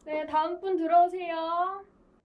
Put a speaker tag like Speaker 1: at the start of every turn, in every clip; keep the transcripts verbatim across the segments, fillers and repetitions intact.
Speaker 1: 네, 다음 분 들어오세요.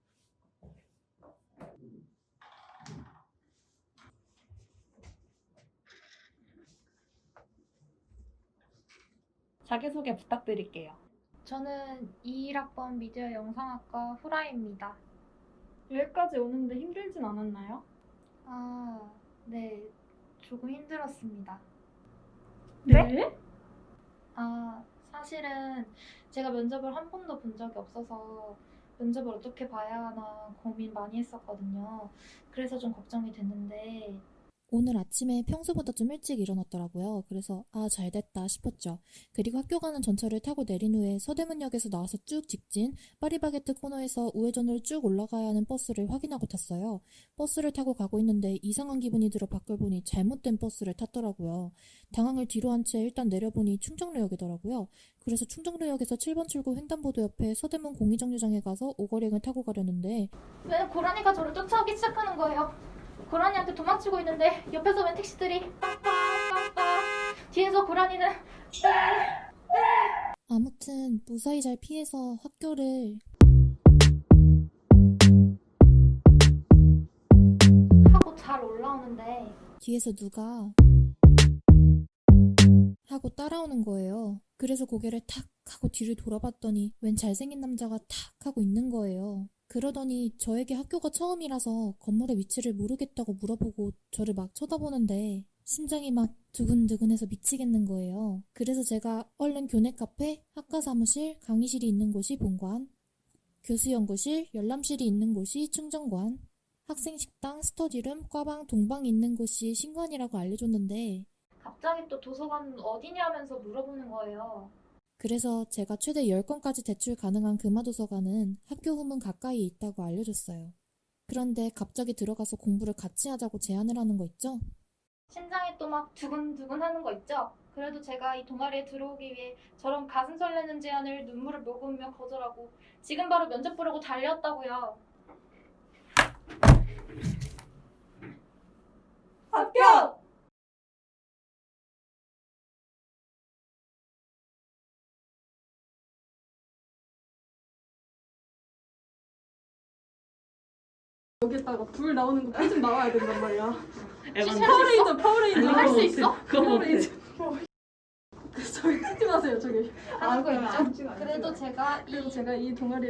Speaker 1: 자기소개 부탁드릴게요.
Speaker 2: 저는 이십일 학번 미디어 영상학과 후라이입니다.
Speaker 1: 여기까지 오는데 힘들진 않았나요?
Speaker 2: 아, 네. 조금 힘들었습니다.
Speaker 1: 네?
Speaker 2: 아, 사실은 제가 면접을 한 번도 본 적이 없어서 면접을 어떻게 봐야 하나 고민 많이 했었거든요. 그래서 좀 걱정이 됐는데
Speaker 3: 오늘 아침에 평소보다 좀 일찍 일어났더라고요. 그래서 아, 잘 됐다 싶었죠. 그리고 학교 가는 전철을 타고 내린 후에 서대문역에서 나와서 쭉 직진 파리바게뜨 코너에서 우회전으로 쭉 올라가야 하는 버스를 확인하고 탔어요. 버스를 타고 가고 있는데 이상한 기분이 들어 밖을 보니 잘못된 버스를 탔더라고요. 당황을 뒤로 한 채 일단 내려보니 충정로역이더라고요. 그래서 충정로역에서 칠 번 출구 횡단보도 옆에 서대문 공의정류장에 가서 오거링을 타고 가려는데
Speaker 2: 왜 고라니가 저를 쫓아오기 시작하는 거예요? 고라니한테 도망치고 있는데 옆에서 웬 택시들이 빵빵빵빵 뒤에서 고라니는
Speaker 3: 아무튼 무사히 잘 피해서 학교를
Speaker 2: 하고 잘 올라오는데
Speaker 3: 뒤에서 누가 하고 따라오는 거예요. 그래서 고개를 탁 하고 뒤를 돌아봤더니 웬 잘생긴 남자가 탁 하고 있는 거예요. 그러더니 저에게 학교가 처음이라서 건물의 위치를 모르겠다고 물어보고 저를 막 쳐다보는데 심장이 막 두근두근해서 미치겠는 거예요. 그래서 제가 얼른 교내 카페, 학과 사무실, 강의실이 있는 곳이 본관, 교수 연구실, 열람실이 있는 곳이 충정관, 학생 식당, 스터디룸, 과방, 동방이 있는 곳이 신관이라고 알려줬는데
Speaker 2: 갑자기 또 도서관 어디냐면서 물어보는 거예요.
Speaker 3: 그래서 제가 최대 열 건까지 대출 가능한 금화도서관은 학교 후문 가까이에 있다고 알려줬어요. 그런데 갑자기 들어가서 공부를 같이 하자고 제안을 하는 거 있죠?
Speaker 2: 심장이 또 막 두근두근 하는 거 있죠? 그래도 제가 이 동아리에 들어오기 위해 저런 가슴 설레는 제안을 눈물을 머금으며 거절하고 지금 바로 면접 보려고 달려왔다고요.
Speaker 1: 합격!
Speaker 4: 여기다가 불 나오는 거 좀 나와야 된단 말이야.
Speaker 5: 에반
Speaker 4: 파워레인저, 파워레인저.
Speaker 2: 할 수 있어?
Speaker 5: 그거 못해.
Speaker 4: 파워레인저. 저기 찍지 마세요, 저기.
Speaker 2: 하는 거 있죠? 그래도 제가 이
Speaker 4: 그리고 제가 이 동아리